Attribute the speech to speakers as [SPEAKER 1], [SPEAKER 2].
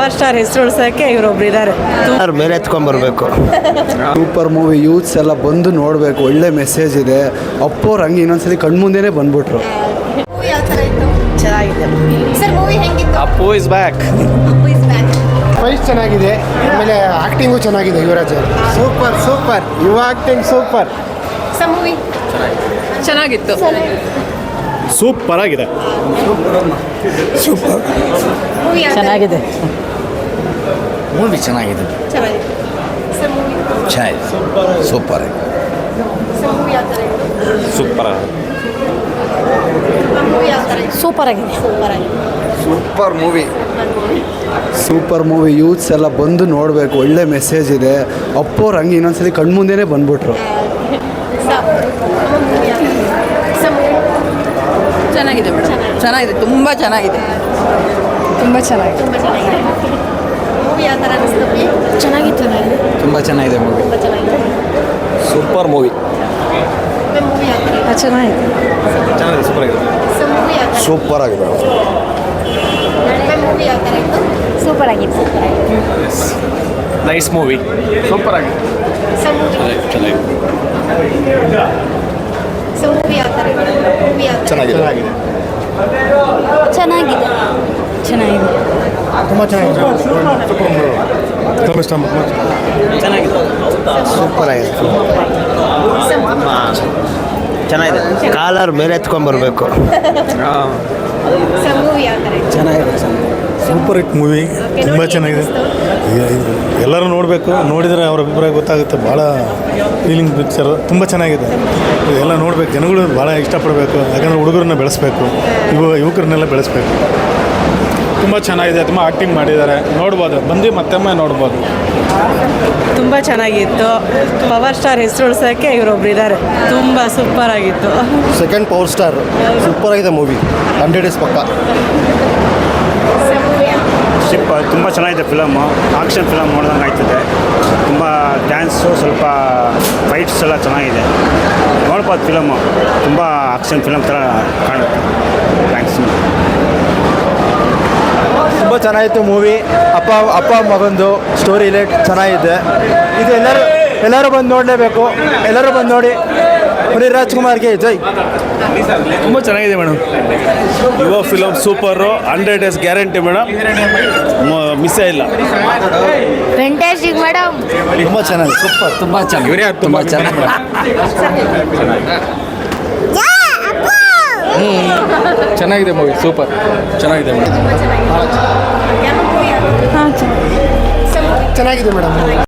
[SPEAKER 1] Power star ಹೆಸರು ಉಳ್ಸೋಕ್ಕೆ ಇವರೊಬ್ರು ಇದ್ದಾರೆ.
[SPEAKER 2] ಮೇಲೆ ಎತ್ಕೊಂಡ್ಬರ್ಬೇಕು.
[SPEAKER 3] ಸೂಪರ್ ಮೂವಿ, ಯೂತ್ಸ್ ಎಲ್ಲ ಬಂದು ನೋಡಬೇಕು. ಒಳ್ಳೆ ಮೆಸೇಜ್ ಇದೆ. ಅಪ್ಪೋರು ಹಂಗೆ ಇನ್ನೊಂದ್ಸಲಿ ಕಣ್ಮುಂದೆನೇ ಬಂದ್ಬಿಟ್ರು.
[SPEAKER 1] ಚೆನ್ನಾಗಿದೆ.
[SPEAKER 4] ಸರ್ ಮೂವಿ ಹೆಂಗಿತ್ತು?
[SPEAKER 5] Appu is back.
[SPEAKER 6] ಫೈಟ್ ಚೆನ್ನಾಗಿದೆ, ಆಮೇಲೆ ಆ್ಯಕ್ಟಿಂಗು ಚೆನ್ನಾಗಿದೆ ಯುವರಾಜ್ ಅವರು.
[SPEAKER 3] Super super, Yuva acting super.
[SPEAKER 4] Sir movie
[SPEAKER 1] ಚೆನ್ನಾಗಿತ್ತು.
[SPEAKER 5] ಸೂಪರ್ ಆಗಿದೆ.
[SPEAKER 3] ಸೂಪರ್
[SPEAKER 4] ಮೂವಿ
[SPEAKER 1] ಚೆನ್ನಾಗಿದೆ.
[SPEAKER 2] ಮೂವಿ ಚೆನ್ನಾಗಿದೆ.
[SPEAKER 4] ಚೆನ್ನಾಗಿದೆ. Sir movie
[SPEAKER 2] super.
[SPEAKER 4] Sir movie ಯಾವ ಥರ ಇತ್ತು?
[SPEAKER 5] ಸೂಪರ್.
[SPEAKER 4] ಮೂವಿ ಯಾವ ಥರ ಇತ್ತು?
[SPEAKER 1] ಸೂಪರ್ ಆಗಿದೆ.
[SPEAKER 4] ಸೂಪರ್ ಆಗಿದೆ.
[SPEAKER 3] Super movie. Super movie, youths ಎಲ್ಲ ಬಂದು ನೋಡಬೇಕು. ಒಳ್ಳೆ ಮೆಸೇಜ್ ಇದೆ. ಅಪ್ಪೋರು ಹಂಗೆ ಇನ್ನೊಂದ್ಸಲಿ ಕಣ್ಮುಂದೆನೇ ಬಂದ್ಬಿಟ್ರು.
[SPEAKER 1] ಚೆನ್ನಾಗಿದೆ ಮೇಡಮ್. ಚೆನ್ನಾಗಿದೆ, ತುಂಬ ಚೆನ್ನಾಗಿದೆ. ತುಂಬ ಚೆನ್ನಾಗಿದೆ.
[SPEAKER 4] ತುಂಬ ಚೆನ್ನಾಗಿದೆ. ಮೂವಿ ಯಾವ ಥರ ಅನಿಸ್ತು? ಚೆನ್ನಾಗಿತ್ತು.
[SPEAKER 2] ತುಂಬ ಚೆನ್ನಾಗಿದೆ ಮೂವಿ.
[SPEAKER 4] ತುಂಬ ಚೆನ್ನಾಗಿದೆ.
[SPEAKER 5] Super movie.
[SPEAKER 4] ಮೂವಿ ಯಾವ ಥರ ಇತ್ತು?
[SPEAKER 1] ಚೆನ್ನಾಗಿದೆ.
[SPEAKER 5] ಚೆನ್ನಾಗಿದೆ. ಸೂಪರ್ ಆಗಿದೆ.
[SPEAKER 4] ಸರ್ ಮೂವಿ ಯಾವ ಥರ?
[SPEAKER 2] ಸೂಪರ್ ಆಗಿದೆ.
[SPEAKER 4] ಮೂವಿ ಯಾವ ಥರ ಇತ್ತು? ಸೂಪರ್ ಆಗಿತ್ತು. ಸೂಪರ್ ಆಗಿದೆ.
[SPEAKER 5] Nice movie. ಸೂಪರ್ ಆಗಿದೆ.
[SPEAKER 4] ಸರ್ ಮೂವಿ
[SPEAKER 5] ಚೆನ್ನಾಗಿದೆ.
[SPEAKER 4] ಸರ್ ಮೂವಿ ಯಾವ ಥರ ಇತ್ತು? ಮೂವಿ ಯಾವ ಥರ?
[SPEAKER 5] ಚೆನ್ನಾಗಿದೆ.
[SPEAKER 4] ಚೆನ್ನಾಗಿದೆ. ಚೆನ್ನಾಗಿದೆ.
[SPEAKER 6] ತುಂಬ ಚೆನ್ನಾಗಿದೆ.
[SPEAKER 5] ಚೆನ್ನಾಗಿದೆ.
[SPEAKER 2] ಸೂಪರ್ ಆಗಿದೆ. ಚೆನ್ನಾಗಿದೆ. ಕಾಲರ್ ಮೇಲೆ ಎತ್ಕೊಂಡ್ಬರ್ಬೇಕು.
[SPEAKER 4] ಸರ್ ಮೂವಿ ಯಾವ ಥರ ಇತ್ತು?
[SPEAKER 3] ಚೆನ್ನಾಗಿದೆ.
[SPEAKER 7] ಸೂಪರ್ ಹಿಟ್ ಮೂವಿ, ತುಂಬ ಚೆನ್ನಾಗಿದೆ. ಎಲ್ಲರೂ ನೋಡಬೇಕು, ನೋಡಿದರೆ ಅವ್ರ ಅಭಿಪ್ರಾಯ ಗೊತ್ತಾಗುತ್ತೆ. ಭಾಳ ಫೀಲಿಂಗ್ ಪಿಕ್ಚರು, ತುಂಬ ಚೆನ್ನಾಗಿದೆ. ಎಲ್ಲ ನೋಡಬೇಕು, ಜನಗಳು ಭಾಳ ಇಷ್ಟಪಡಬೇಕು. ಯಾಕಂದರೆ ಹುಡುಗರನ್ನ ಬೆಳೆಸಬೇಕು, ಯುವಕರನ್ನೆಲ್ಲ ಬೆಳೆಸಬೇಕು.
[SPEAKER 5] ತುಂಬ ಚೆನ್ನಾಗಿದೆ. ತುಂಬ ಆ್ಯಕ್ಟಿಂಗ್ ಮಾಡಿದ್ದಾರೆ. ನೋಡ್ಬೋದು, ಬಂದು ಮತ್ತೊಮ್ಮೆ ನೋಡ್ಬೋದು.
[SPEAKER 1] ತುಂಬ ಚೆನ್ನಾಗಿತ್ತು. ಪವರ್ ಸ್ಟಾರ್ ಹೆಸರು ಉಳ್ಸೋಕ್ಕೆ ಇವರೊಬ್ರು ಇದ್ದಾರೆ. ತುಂಬ ಸೂಪರ್ ಆಗಿತ್ತು.
[SPEAKER 6] ಸೆಕೆಂಡ್ ಪವರ್ ಸ್ಟಾರ್, ಸೂಪರ್ ಆಗಿದೆ ಮೂವಿ. 100 ಡೇಸ್ ಪಕ್ಕ.
[SPEAKER 8] ತುಂಬ ಚೆನ್ನಾಗಿದೆ ಫಿಲಮು. ಆಕ್ಷನ್ ಫಿಲಮ್ ನೋಡ್ದಂಗೆ ಆಯ್ತದೆ. ತುಂಬ ಡ್ಯಾನ್ಸು, ಸ್ವಲ್ಪ ಫೈಟ್ಸ್ ಎಲ್ಲ ಚೆನ್ನಾಗಿದೆ. ನೋಡ್ಬೋದು ಫಿಲಮು. ತುಂಬ ಆಕ್ಷನ್ ಫಿಲಮ್ ಥರ ಕಾಣುತ್ತೆ. ಥ್ಯಾಂಕ್ಸ್.
[SPEAKER 3] ತುಂಬ ಚೆನ್ನಾಗಿತ್ತು ಮೂವಿ. ಅಪ್ಪ ಮಗಂದು ಸ್ಟೋರಿ ಲೈಟ್ ಚೆನ್ನಾಗಿದೆ. ಇದು ಎಲ್ಲರೂ ಬಂದು ನೋಡಲೇಬೇಕು. ಎಲ್ಲರೂ ಬಂದು ನೋಡಿ. ಪುನೀತ್ ರಾಜ್ಕುಮಾರ್ಗೆ ಜೈ.
[SPEAKER 5] ತುಂಬ ಚೆನ್ನಾಗಿದೆ madam. Yuva film super. 100 days guarantee madam. ಮಿಸ್ಸೇ ಇಲ್ಲ.
[SPEAKER 4] Fantastic madam.
[SPEAKER 3] ತುಂಬ ಚೆನ್ನಾಗಿದೆ. ಸೂಪರ್.
[SPEAKER 2] ತುಂಬ ಚೆನ್ನಾಗಿ. ತುಂಬ ಚೆನ್ನಾಗಿ.
[SPEAKER 5] ಚೆನ್ನಾಗಿದೆ ಮೂವಿ. ಸೂಪರ್ ಚೆನ್ನಾಗಿದೆ ಮೇಡಮ್.
[SPEAKER 4] ತುಂಬ ಚೆನ್ನಾಗಿದೆ.
[SPEAKER 6] ಚೆನ್ನಾಗಿದೆ ಮೇಡಮ್.